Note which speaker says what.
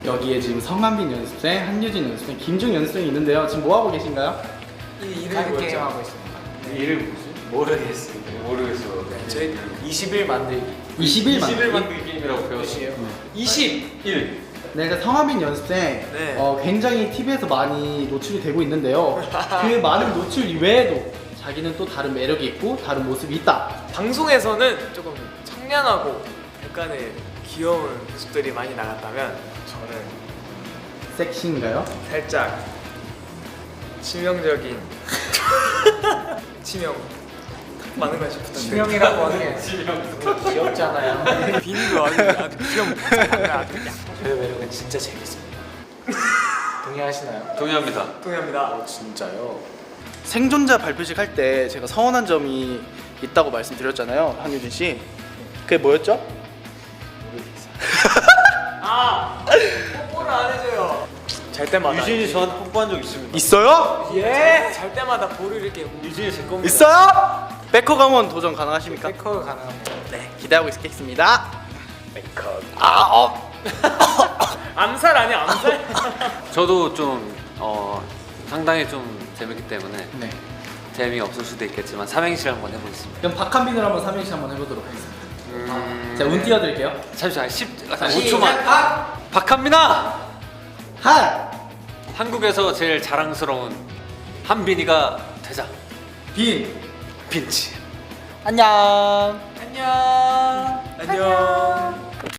Speaker 1: 여기에 지금 성한빈 연습생, 한유진 연습생, 김중 연습생이 있는데요. 지금 뭐 하고 계신가요?
Speaker 2: 이 이름이 게임 하고 있습니다.
Speaker 3: 이름 뭐지?
Speaker 2: 모르겠어요.
Speaker 3: 모르겠어요.
Speaker 2: 저희 20일 만들기.
Speaker 1: 20일
Speaker 3: 20일
Speaker 1: 만들기?
Speaker 3: 만들기 게임이라고 배웠어요.
Speaker 2: 21.
Speaker 1: 네, 그러니까 성한빈 연습생
Speaker 2: 네.
Speaker 1: 굉장히 TV에서 많이 노출이 되고 있는데요. 그 많은 노출 이외에도 자기는 또 다른 매력이 있고 다른 모습이 있다.
Speaker 2: 방송에서는 조금 청량하고 약간의 귀여운 모습들이 많이 나갔다면 저는
Speaker 1: 섹시인가요?
Speaker 2: 살짝 치명적인 치명 많은 관심 부탁드립니다.
Speaker 4: 치명이라고 하는 게 귀엽잖아요.
Speaker 2: 비니도 아주 귀여운
Speaker 4: 저의 매력은 진짜 재밌습니다. 동의하시나요?
Speaker 3: 동의합니다.
Speaker 2: 동의합니다.
Speaker 4: 진짜요?
Speaker 1: 생존자 발표식 할 때 제가 서운한 점이 있다고 말씀드렸잖아요, 한유진 씨. 그게 뭐였죠?
Speaker 2: 아! 뽀뽀를 안 해줘요. 잘 때마다
Speaker 3: 유진이 저한테 뽀뽀한 적 있습니다.
Speaker 1: 있어요?
Speaker 2: 예! 잘 때마다 볼을 이렇게
Speaker 3: 유진이 제 겁니다.
Speaker 1: 있어요? 백허 강원 도전 가능하십니까?
Speaker 2: 백허가 가능합니다.
Speaker 1: 네, 기대하고 있겠습니다.
Speaker 2: 백허.
Speaker 1: 아,
Speaker 2: 암살 아니야 암살?
Speaker 3: 저도 좀 상당히 좀 재밌기 때문에
Speaker 1: 네.
Speaker 3: 재미없을 수도 있겠지만 삼행시를 한번 해보겠습니다.
Speaker 1: 그럼 박한빈으로 한번 삼행시 한번 해보도록 하겠습니다. 제가 운 띄워드릴게요.
Speaker 3: 잠시만 5초만. 박한빈아!
Speaker 1: 한,
Speaker 3: 한국에서 제일 자랑스러운 한빈이가 되자.
Speaker 1: 빈,
Speaker 3: 빈치.
Speaker 1: 안녕.
Speaker 2: 안녕. 안녕.